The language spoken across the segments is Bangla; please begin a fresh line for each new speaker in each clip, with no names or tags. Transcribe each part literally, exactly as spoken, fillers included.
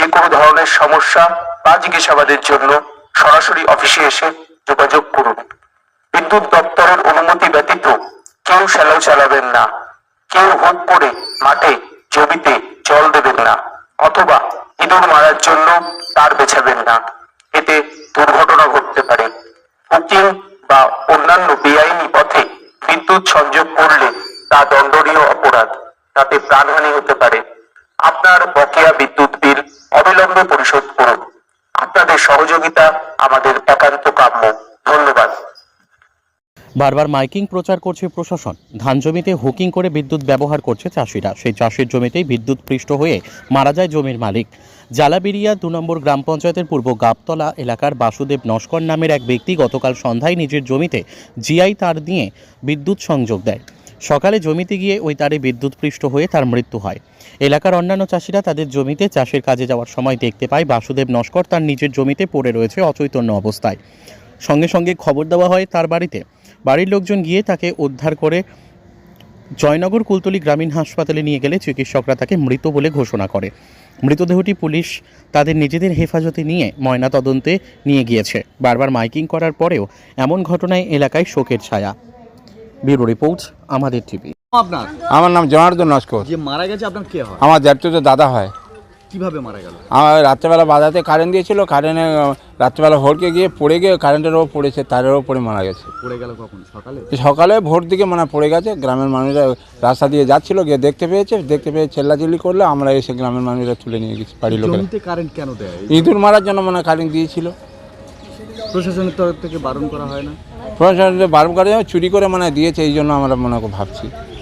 কোনো ধরনের সমস্যা বা জিজ্ঞাসাবাদের জন্য সরাসরি অফিসে এসে যোগাযোগ করুন। বিদ্যুৎ দপ্তরের অনুমতি ব্যতীত কেউ শ্যালো চালাবেন না, কেউ হুক করে মাঠে জমিতে জল দেবেন না, অথবা ইঁদুর মারার জন্য তার বেছাবেন না। এতে দুর্ঘটনা ঘটতে পারে। হুকিং বা অন্যান্য বেআইনি পথে বিদ্যুৎ সংযোগ করলে তা দণ্ডনীয় অপরাধ, তাতে প্রাণহানি হতে পারে। আপনার বকেয়া বিদ্যুৎ বিল অবিলম্বে পরিশোধ করুন। আপনাদের সহযোগিতা আমাদের একান্ত কাম্য। ধন্যবাদ।
বারবার মাইকিং প্রচার করছে প্রশাসন। ধান জমিতে হুকিং করে বিদ্যুৎ ব্যবহার করছে চাষিরা। সেই চাষের জমিতেই বিদ্যুৎ পৃষ্ঠ হয়ে মারা যায় জমির মালিক। জালাবিরিয়া দু নম্বর গ্রাম পঞ্চায়েতের পূর্ব গাবতলা এলাকার বাসুদেব নস্কর নামের এক ব্যক্তি গতকাল সন্ধ্যায় নিজের জমিতে জিআই তার দিয়ে বিদ্যুৎ সংযোগ দেয়। সকালে জমিতে গিয়ে ওই তারে বিদ্যুৎ পৃষ্ঠ হয়ে তার মৃত্যু হয়। এলাকার অন্যান্য চাষিরা তাদের জমিতে চাষের কাজে যাওয়ার সময় দেখতে পায় বাসুদেব নস্কর তার নিজের জমিতে পড়ে রয়েছে অচৈতন্য অবস্থায়। সঙ্গে সঙ্গে খবর দেওয়া হয় তার বাড়িতে। বাড়ির লোকজন গিয়ে তাকে উদ্ধার করে জয়নগর কুলতলি গ্রামীণ হাসপাতালে নিয়ে গেলে চিকিৎসকরা তাকে মৃত বলে ঘোষণা করে। মৃতদেহটি পুলিশ তাদের নিজেদের হেফাজতে নিয়ে ময়না তদন্তে নিয়ে গিয়েছে। বারবার মাইকিং করার পরেও এমন ঘটনায় এলাকায় শোকের ছায়া। ব্যুরো রিপোর্ট আমাদের টিভি।
আপনার
আমার নাম জনার্দন নস্কর।
যে মারা গেছে আপনার কে হয়?
আমার জ্যাঠতো দাদা হয়।
কিভাবে মারা গেল?
আমার রাত্রেবেলা বাজাতে কারেন্ট দিয়েছিল, কারেন্টে রাত্রেবেলা ভোরকে গিয়ে পড়ে গিয়ে কারেন্টের ওপর পড়েছে, তারের ওপর পড়ে মারা গেছে।
পড়ে গেল কখন? সকালে?
সকালে ভোর দিকে মানে পড়ে গেছে। গ্রামের মানুষরা রাস্তা দিয়ে যাচ্ছিল, গিয়ে দেখতে পেয়েছে, দেখতে পেয়ে চেল্লাচিল্লি করলে আমরা এসে গ্রামের মানুষরা তুলে নিয়ে গেছি বাড়ির লোকেরা।
জমিতে কারেন্ট কেন দেয়?
ইঁদুর মারার জন্য মানে কারেন্ট দিয়েছিল।
প্রশাসনের তরফ থেকে বারণ করা হয় না?
প্রশাসন বারণ করে চুরি করে মানে দিয়েছে, এই জন্য আমরা মনে ভাবছি।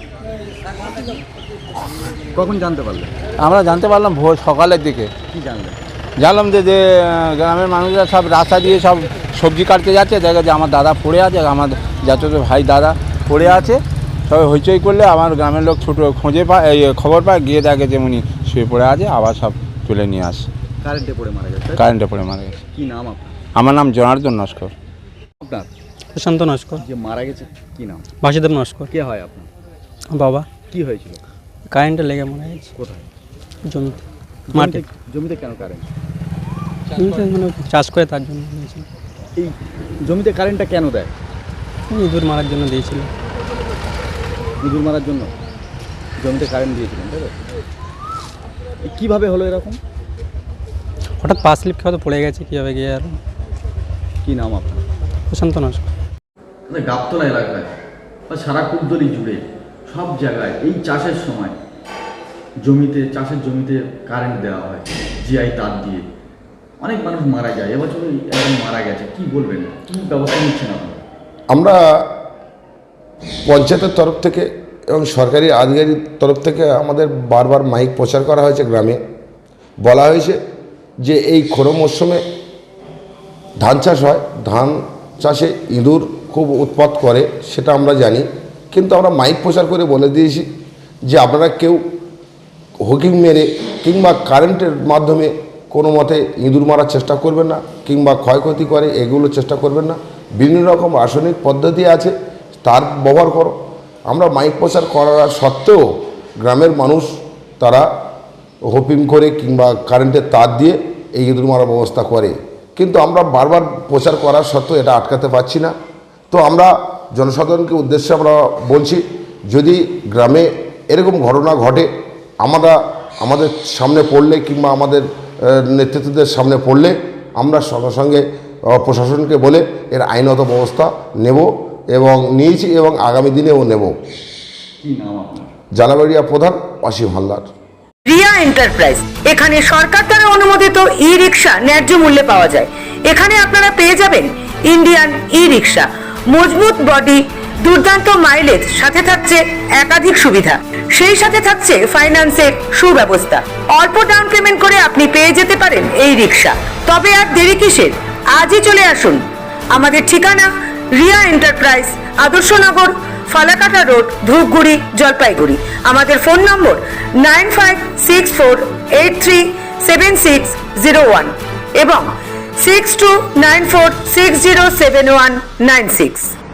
কখন জানতে পারলেন?
আমরা জানতে পারলাম ভোর সকালের দিকে।
কি জানলেন?
জানলাম যে যে গ্রামের মানুষরা সব রাস্তা দিয়ে সব সবজি কাটতে যাচ্ছে, দেখা যে আমার দাদা পড়ে আছে, আমার যাতে ভাই দাদা পড়ে আছে। সবাই হইচই করলে আমার গ্রামের লোক ছোটো খোঁজে পায়, এই খবর পায়, গিয়ে দেখে যে উনি শুয়ে পড়ে আছে, আবার সব তুলে নিয়ে আসে।
কারেন্টে পড়ে মারা গেছে?
কারেন্টে পড়ে মারা গেছে।
কি নাম আপনার?
আমার নাম জনার্দন নস্কর।
আপনার?
প্রশান্ত নস্কর।
যে মারা গেছে কি নাম?
বাসুদেব নস্কর।
কে হয় আপনার?
বাবা।
কি হয়েছিল?
কারেন্টে লেগে মারা গেছে।
কোথায়?
জমিতে, মাঠে।
জমিতে কেন কারেন্ট?
জমিতে মানে চাষ করে তার জন্য দিয়েছিল।
এই জমিতে কারেন্টটা কেন দেয়?
ইঁদুর মারার জন্য দিয়েছিল।
ইঁদুর মারার জন্য জমিতে কারেন্ট দিয়েছিলেন, তাই তো? কীভাবে হলো এরকম?
হঠাৎ পা স্লিপ খেয়ে পড়ে গেছে, কীভাবে গিয়ে আর।
কি নাম আপনার?
প্রশান্ত নস্কর।
গাবতলা এলাকায় বা সারা কুলতলি জুড়ে সব জায়গায় এই চাষের সময় জমিতে চাষের জমিতে কারেন্ট দেওয়া হয় জিআই তার দিয়ে। অনেক মানুষ মারা যায়, এবছর একজন মারা গেছে। কি বলবেন, কী ব্যবস্থা নিচ্ছেন আপনারা?
আমরা পঞ্চায়েতের তরফ থেকে এবং সরকারি আধিকারিক তরফ থেকে আমাদের বারবার মাইক প্রচার করা হয়েছে। গ্রামে বলা হয়েছে যে এই খোঁড়ো মরশুমে ধান চাষ হয়, ধান চাষে ইঁদুর খুব উৎপাত করে, সেটা আমরা জানি। কিন্তু আমরা মাইক প্রচার করে বলে দিয়েছি যে আপনারা কেউ হুকিং মেরে কিংবা কারেন্টের মাধ্যমে কোনো মতে ইঁদুর মারার চেষ্টা করবেন না, কিংবা ক্ষয়ক্ষতি করে এগুলো চেষ্টা করবেন না। বিভিন্ন রকম রাসায়নিক পদ্ধতি আছে, তার ব্যবহার করো। আমরা মাইক প্রচার করার সত্ত্বেও গ্রামের মানুষ তারা হুকিং করে কিংবা কারেন্টের তার দিয়ে এই ইঁদুর মারার ব্যবস্থা করে। কিন্তু আমরা বারবার প্রচার করার সত্ত্বেও এটা আটকাতে পারছি না। তো আমরা জনসাধারণকে উদ্দেশ্যে আমরা বলছি, যদি গ্রামে এরকম ঘটনা ঘটে, আমরা আমাদের সামনে পড়লে কিংবা আমাদের নেতৃত্বদের সামনে পড়লে আমরা সঙ্গে সঙ্গে প্রশাসনকে বলে এর আইনত ব্যবস্থা নেব এবং নিয়েছি এবং আগামী দিনেও নেব।
কি নাম আপনার?
জালাবাড়িয়া প্রধান অসীম হালদার।
রিয়া এন্টারপ্রাইজ, এখানে সরকার দ্বারা অনুমোদিত ই রিক্সা ন্যায্য মূল্যে পাওয়া যায়। এখানে আপনারা পেয়ে যাবেন ইন্ডিয়ান ই রিক্সা, মজবুত বডি, দুর্দান্ত মাইলেজ, সাথে থাকছে একাধিক সুবিধা। সেই সাথে থাকছে ফাইন্যান্সের সুব্যবস্থা। অল্প ডাউন পেমেন্ট করে আপনি পেয়ে যেতে পারেন এই রিক্সা। তবে আর দেরি কিসের? আজই চলে আসুন। আমাদের ঠিকানা রিয়া এন্টারপ্রাইজ, আদর্শনগর, ফালাকাটা রোড, ধূপগুড়ি, জলপাইগুড়ি। আমাদের phone number nine five six four eight three seven six zero one এবং six two nine four six zero seven one nine six.